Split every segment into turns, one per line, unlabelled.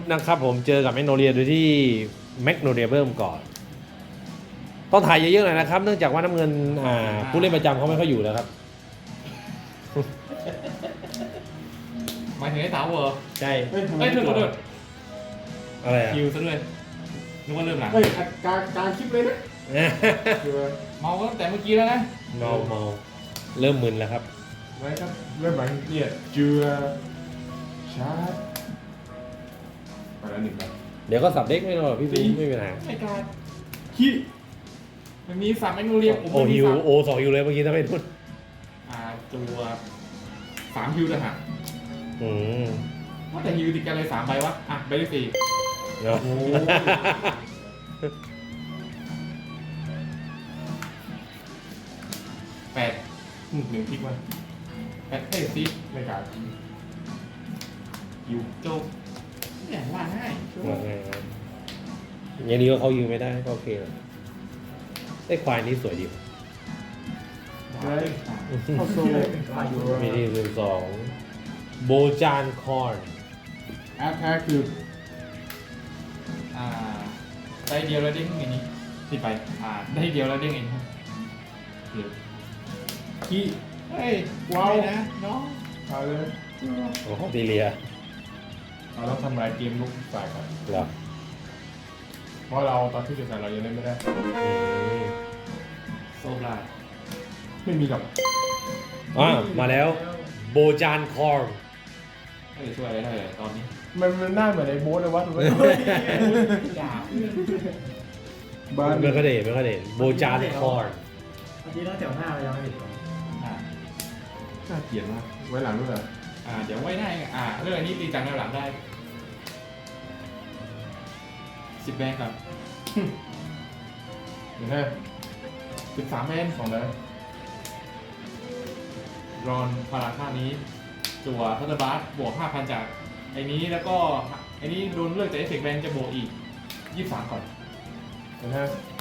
นะครับผมเจอกับแมกโนเลียโดยที่แมกโนเลียเริ่มก่อนต้องถ่ายเยอะๆหน่อยนะครับเนื่องจากว่าน้ำเงินผู้เล่นประจำเขาไม่ค่อยอยู่แล้วครับ
หมายถึงไอ้สาวเหรอ
ใช่
เฮ้ยทำไม
เอ้ยโทษ
อะไรอ่ะ
คิวซะด้วยนึกว่าเริ่มหลัง
เฮ้ยการคลิปเลยนะคือ
เมาก็ตั้งแต่เมื่อกี้แล้วนะ
เมาเริ่มมึนแล้วครับ
ไว้ครับเริ่มหลังเนี่ยเจือชาร์จไปแล้วหนึ่งครับ
เดี๋ยวก็สับเด็กไม่หรอกพี่บีไม่เป็นไร
ไม่กล้า
ขี้
มันมีสามแมกโนเลียผม
โอ
ไม่มี
ฮิว
สาม
โอสองฮิวเลยเมื่อกี้ถ้าไม่พูด
ตัวสามฮิวต่างหาก
อืม
ว่าแต่ฮิวติดกันเลย3 ใบวะใบที่4
เนาะ
โอ้
8
หนึ่งคลิกมา
8เอ้ยซี
ไม่กล้าอยู่
จบเนี่ยว่าง่าย
อย่างนี้ก็เขายืมไม่ได้ก็โอเคเลยไอ้ควายนี้สวยดี
ได้เข้าโซ่อยู่
มีที่12โบจานคอร์น
แอปแท้คือ
ได้เดียวแล้วเด้งอย่างนี้ที่ไปได้เดียวแล้วเด้งเองเดี๋ยว
ขี้
เฮ้ย
ว้าว
ไม่นะน้อง
เอาเลย
ของออสเตรเลีย
เราต้องทำลายเกมลุกฝ่ายครับ
เหรอ
เพราะเราตอนที่จะใส่เรายังเล่นไม่ได้
อืม
โซบลา
ไม่มีหรอก
มาแล้วโบจานคอร์น
ไม่ได้ช่วยอะไรได้เลยตอนนี้
มันหน้าเหมือนไอ้โบ๊ทเลยวะถูกไหม
อย่า
บ้าน
ไม่ค่อยได้เห็นโบจานคอร์น
เมื่อกี้ตั้งแถวหน้าเรายังไม่เห็นเลย
น่าเกลียดมากไว้หลังด้วยเหรอ
เดี๋ยวไว้ได้เรื่องอันนี้ตีจากแนวหลังได้10 แบงครับ
เดี๋ยวนะ
13 แบง
สองแล้ว
รอนพลังค่านี้จั่วพัตเตอร์บาร์บวก 5,000 จากไอ้นี้แล้วก็ไอ้นี้โดนเลิกจากเอฟเฟกต์แบงจะบวกอีก 23 ก่อน
เดี๋ยวนะ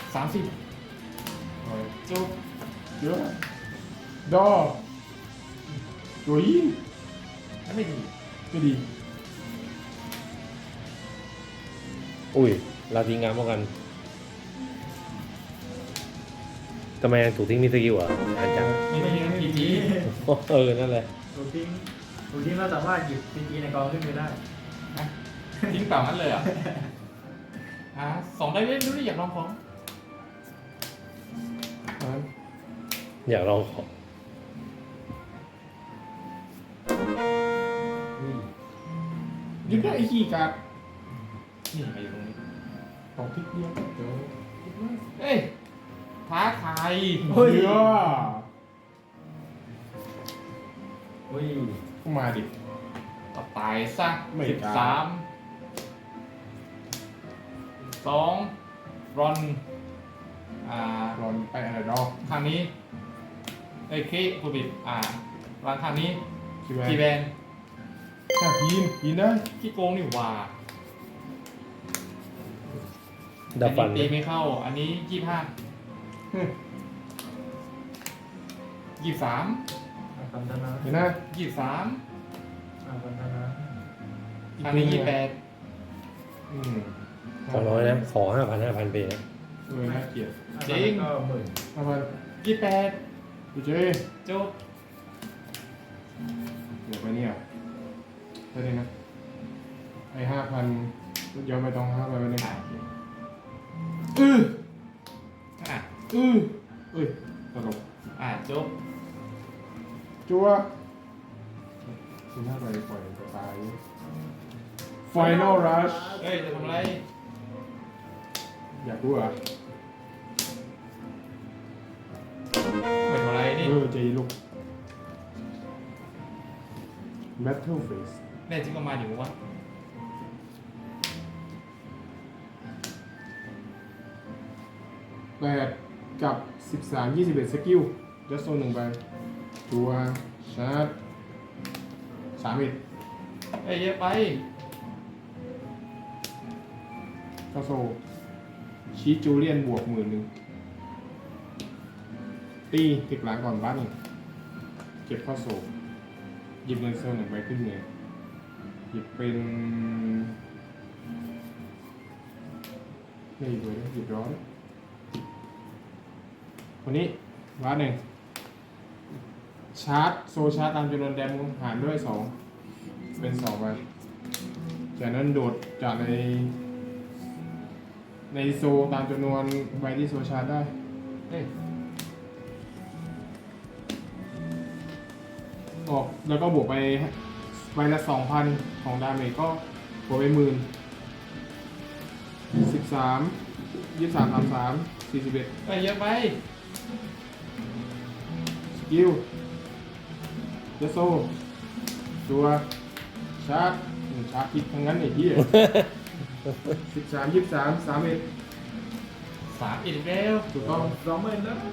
30
เอา
จุ๊บ
เยอะดอตัวยิง
ไม่ดี
ไม่ดี
อุ้ยลาทิ้งงานป้องกันทำไมถูกทิ้งมีสกิลอ่ะอาจารย์
ไม่ดีนะพีจี
นั่นแหละ
ถูกทิ้งเราสามารถหยิบพีในกองขึ้นไปได้
ทิ้งเปล่างั้นเลยเหรอ่ะ2 ได้เล่นดูดิอยากลองของ
อ่ะ
อยากลองของ
ยิงได้ไอ้ขี้กัด
นี่มาอยู่ตรงนี้
ตอกทิกเดียวเดี๋ยว
เอ้ยท้าทาย
เฮ้ย
อุ้ย
มาดิ
ต่อตายซะ
ไม่กล้า
13 2 รอน
รอนไปอะไรดอก
ข้างนี้เอ้ยคีคูบิดวางข้างนี้
คิดว่า
ทีแบน
ถ้ายินได้
ขี้โกงนี่หว่า
ดับฟัน
อัตีไม่เข้า อันนี้
เฮ้ย
23
คำธนา
เดี๋ยวนะ
23
คำธนา
อันนี้
อืม
ขอน้อยนะ ขอ5,000 ไปนะ
น่าเกลียด
ก็หมื่น
เอาไป
28
ดูเจ๊
28จบ
เดี๋ยวไปเนี่ยได้เลยนะไอ้5,000ย้อนไปตรง5,000ไปเลย
อ่ะ
เอ้ยตลก
จบ
จัวคุณถ้าไปปล่อยไปตาย Final Rush
เฮ้ย จะทำอะไร
อยากรู้เหรอ่ะ
ไม่ทำอะไรนี่
เจลูก Battle Face
แน่จริงก็มาอยู่วะ
8กับ13 21สกิลจัสโซน1ใบตัวชาร์จ3เอ็ด
เอ้ยเยอะไป
เข้าโซชีสจูเลียนบวก10,000ตีติดหลังก่อนบ้านงเก็บเข้าโซหยิบเงินโซน1ใบขึ้นเงินหยิบเป็นนี่อีกเลยหยิบร้อนคนนี้วาร์ดหนึ่งชาร์จโซชาร์จตามจำนวนแดมหารด้วย 2 เป็น2ไปจากนั้นโดดจากในโซตามจำนวนใบที่โซชาร์จได้
เฮ้ย
ออกแล้วก็บวกไปใบละ 2,000 ของดาเมจก็บวกไป10,000 13 23 33 41
ไปเยอะไป
สกิลเจโซตัวชาร์จชาร์จผิดทั้งนั้นไอ้เหี้ย13 23 31
3อีกแล้ว
ถูกต้อง
20,000แล้ว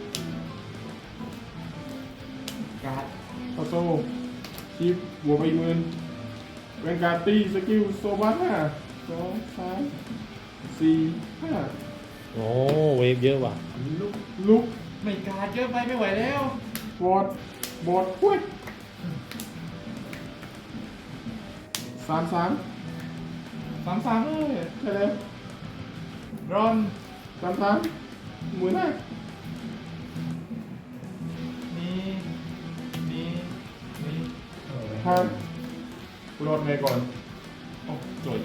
การ์ด
เข้าโซ่คีบบวกไปอีก10,000แวนการ์ดตีสกิลโซบัส5 2 3 4 5
โอ้เวฟเยอะว่ะ
ลุก
ไม่การ์ดเยอะไปไม่ไหวแล้ว
บอดหุ้ย33
33เลย
ใช่เลย
รอน
33หมื่นห้า
นี่
ห้ากูรอดไงก่อน
โอ้สวย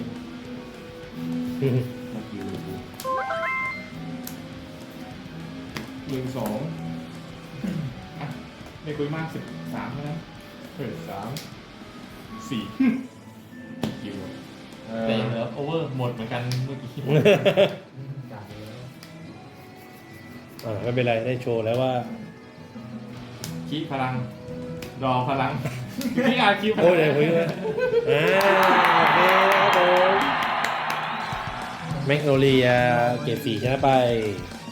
12
อ่ะไม่คุยมาก13แล้วนะ
3 4คิว
แต่ยังเหลือโอเวอร์หมดเหมือนกันเมื่อกี้
กาดแล้ว
ไม่เป็นไรได้โชว์แล้วว่า
คีพลังรอพลังพี่อาคิวพลั
โอ้
ง
ยเดี๋ยวคุยด้วยโอเคครับผมแมกโนเลียเกรด4ชนะไป